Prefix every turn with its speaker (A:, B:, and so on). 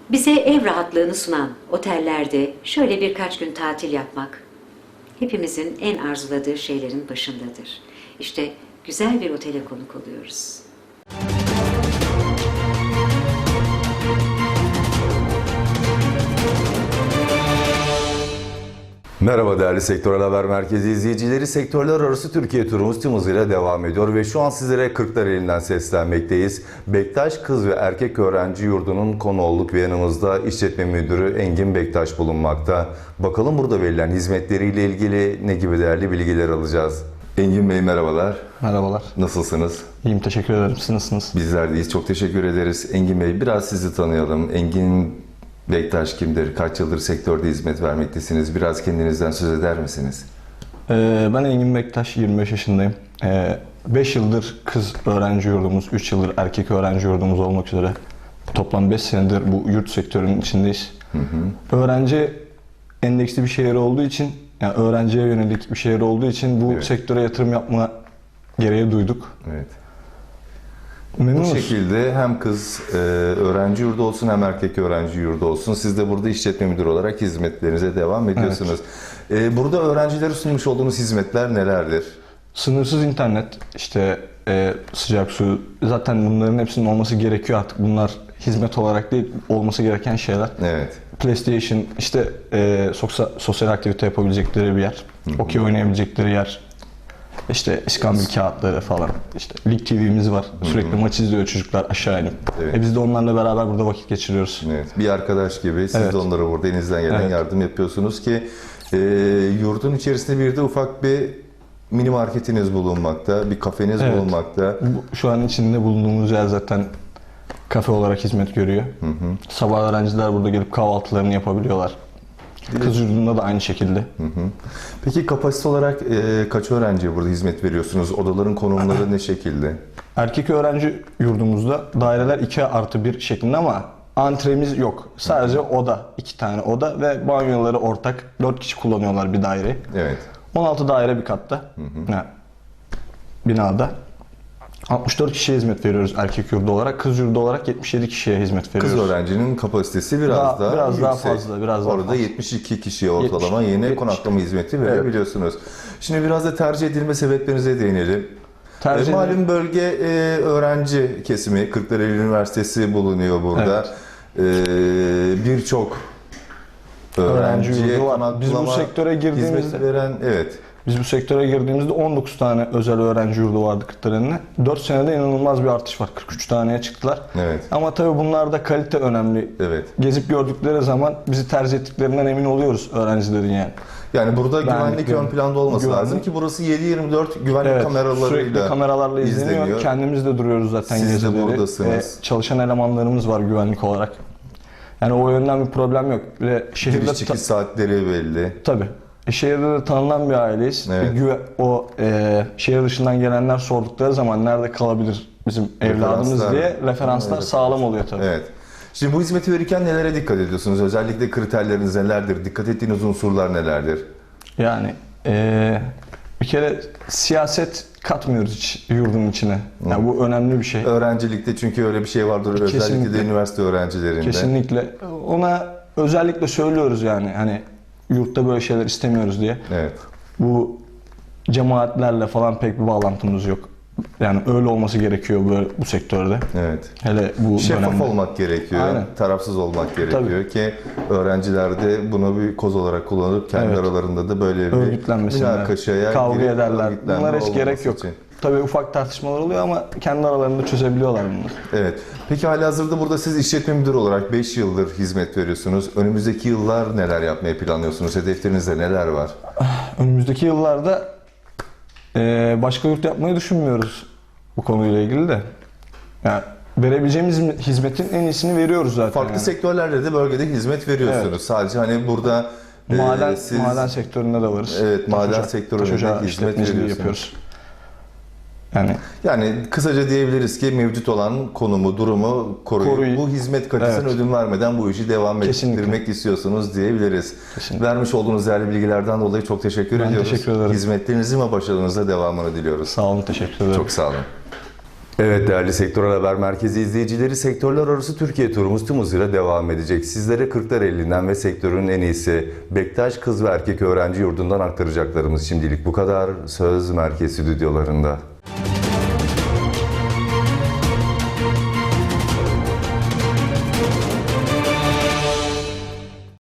A: Bize ev rahatlığını sunan otellerde şöyle birkaç gün tatil yapmak hepimizin en arzuladığı şeylerin başındadır. İşte güzel bir otele konuk oluyoruz.
B: Merhaba değerli Sektörel Haber Merkezi izleyicileri. Sektörler arası Türkiye turumuz tüm hızıyla devam ediyor ve şu an sizlere Kırklareli'nden seslenmekteyiz. Bektaş Kız ve Erkek Öğrenci Yurdu'nun konu olduk ve yanımızda işletme müdürü Engin Bektaş bulunmakta. Bakalım burada verilen hizmetleriyle ilgili ne gibi değerli bilgiler alacağız. Engin Bey merhabalar.
C: Merhabalar.
B: Nasılsınız?
C: İyiyim, teşekkür ederim. Siz nasılsınız?
B: Bizler deyiz. Çok teşekkür ederiz. Engin Bey biraz sizi tanıyalım. Engin Bektaş kimdir? Kaç yıldır sektörde hizmet vermektesiniz? Biraz kendinizden söz eder misiniz?
C: Ben Engin Bektaş, 25 yaşındayım. 5 yıldır kız öğrenci yurdumuz, 3 yıldır erkek öğrenci yurdumuz olmak üzere toplam 5 senedir bu yurt sektörünün içindeyiz. Öğrenci endeksli bir şehir olduğu için, yani öğrenciye yönelik bir şehir olduğu için bu sektöre yatırım yapma gereği duyduk.
B: Evet.
C: Memnunuz.
B: Bu şekilde hem kız öğrenci yurdu olsun hem erkek öğrenci yurdu olsun. Siz de burada işletme müdürü olarak hizmetlerinize devam ediyorsunuz. Evet. Burada öğrencilere sunmuş olduğunuz hizmetler nelerdir?
C: Sınırsız internet, işte sıcak su, zaten bunların hepsinin olması gerekiyor artık. Bunlar hizmet olarak değil, olması gereken şeyler.
B: Evet.
C: PlayStation, işte sosyal aktivite yapabilecekleri bir yer, okey oynayabilecekleri yer, işte iskambil kağıtları falan, işte Lig TV'miz var, sürekli maç izliyor çocuklar aşağı inip.
B: Evet.
C: Biz de onlarla beraber burada vakit geçiriyoruz.
B: Evet. Bir arkadaş gibi siz
C: Evet.
B: de onlara burada elinizden gelen yardım yapıyorsunuz ki yurdun içerisinde bir de ufak bir mini marketiniz bulunmakta, bir kafeniz bulunmakta.
C: Şu an içinde bulunduğumuz yer zaten kafe olarak hizmet görüyor. Sabah öğrenciler burada gelip kahvaltılarını yapabiliyorlar. Kız yurdunda da aynı şekilde.
B: Peki kapasite olarak kaç öğrenciye burada hizmet veriyorsunuz? Odaların konumları ne şekilde?
C: Erkek öğrenci yurdumuzda daireler 2+1 şeklinde ama antremiz yok. Sadece oda, 2 tane oda ve banyoları ortak. 4 kişi kullanıyorlar bir daire.
B: Evet.
C: 16 daire bir katta. Yani binada. 64 kişiye hizmet veriyoruz erkek yurdu olarak. Kız yurdu olarak 77 kişiye hizmet veriyoruz.
B: Kız öğrencinin kapasitesi biraz daha
C: biraz daha
B: yüksek.
C: fazla, biraz daha
B: Orada
C: fazla.
B: 72 kişiye ortalama yeni
C: 70.
B: konaklama hizmeti verebiliyorsunuz. Şimdi biraz da tercih edilme sebeplerinize değinelim. Malum bölge öğrenci kesimi, Kırklareli Üniversitesi bulunuyor burada. Birçok öğrenciye
C: yurdu var.
B: konaklama
C: Biz bu sektöre girdiğimizde
B: hizmet veren,
C: Biz bu sektöre girdiğimizde 19 tane özel öğrenci yurdu vardı Kırklareli'nde. 4 senede inanılmaz bir artış var. 43 taneye çıktılar.
B: Evet.
C: Ama tabii bunlarda kalite önemli.
B: Evet.
C: Gezip gördükleri zaman bizi tercih ettiklerinden emin oluyoruz öğrencilerin yani.
B: Yani burada güvenlik ön planda olması lazım ki burası 7/24 güvenlik kameralarıyla
C: sürekli kameralarla izleniyor. Kendimiz de duruyoruz zaten
B: Siz
C: gezileri.
B: de buradasınız.
C: Çalışan elemanlarımız var güvenlik olarak. Yani o yönden bir problem yok. Ve şehirde
B: giriş çıkış saatleri belli.
C: Tabii. Şehirde de tanınan bir aileyiz.
B: Evet.
C: Şehir dışından gelenler sordukları zaman nerede kalabilir bizim evladımız diye referanslar sağlam oluyor tabii.
B: Evet. Şimdi bu hizmeti verirken nelere dikkat ediyorsunuz? Özellikle kriterleriniz nelerdir? Dikkat ettiğiniz unsurlar nelerdir?
C: Yani bir kere siyaset katmıyoruz hiç yurdun içine. Yani bu önemli bir şey.
B: Öğrencilikte çünkü öyle bir şey vardır. Özellikle de üniversite öğrencilerinde.
C: Kesinlikle. Ona özellikle söylüyoruz yani hani yurtta böyle şeyler istemiyoruz diye.
B: Evet.
C: Bu cemaatlerle falan pek bir bağlantımız yok. Yani öyle olması gerekiyor bu sektörde.
B: Evet.
C: Hele bu
B: şeffaf
C: dönemde.
B: olmak gerekiyor.
C: Aynen.
B: Tarafsız olmak gerekiyor ki öğrenciler de bunu bir koz olarak kullanıp kendi aralarında da böyle bir münakaşaya
C: kavga
B: girip
C: ederler. Bunlara hiç gerek yok.
B: için.
C: Tabii ufak tartışmalar oluyor ama kendi aralarında çözebiliyorlar bunları.
B: Evet. Peki halihazırda burada siz işletme müdürü olarak 5 yıldır hizmet veriyorsunuz. Önümüzdeki yıllar neler yapmayı planlıyorsunuz? Hedeflerinizde neler var?
C: Önümüzdeki yıllarda başka yurt yapmayı düşünmüyoruz bu konuyla ilgili de. Yani verebileceğimiz hizmetin en iyisini veriyoruz zaten.
B: Farklı sektörlerde de bölgede hizmet veriyorsunuz. Evet. Sadece hani burada
C: maden sektöründe de varız.
B: Evet, maden sektöründe de hizmet veriyorsunuz.
C: Yapıyoruz.
B: Yani kısaca diyebiliriz ki mevcut olan konumu, durumu koruyup bu hizmet kalitesine ödün vermeden bu işi devam ettirmek istiyorsunuz diyebiliriz.
C: Kesinlikle.
B: Vermiş olduğunuz değerli bilgilerden dolayı çok teşekkür ediyoruz.
C: Teşekkür ederim.
B: Hizmetlerinizin ve başarınızla devamını diliyoruz.
C: Sağ olun, teşekkür ederim.
B: Çok sağ olun. Evet değerli Sektörel Haber Merkezi izleyicileri, sektörler arası Türkiye turumuz tüm hızıyla devam edecek. Sizlere Kırklareli'nden ve sektörün en iyisi Bektaş Kız ve Erkek Öğrenci Yurdu'ndan aktaracaklarımız şimdilik bu kadar. Söz Merkez Stüdyolarında.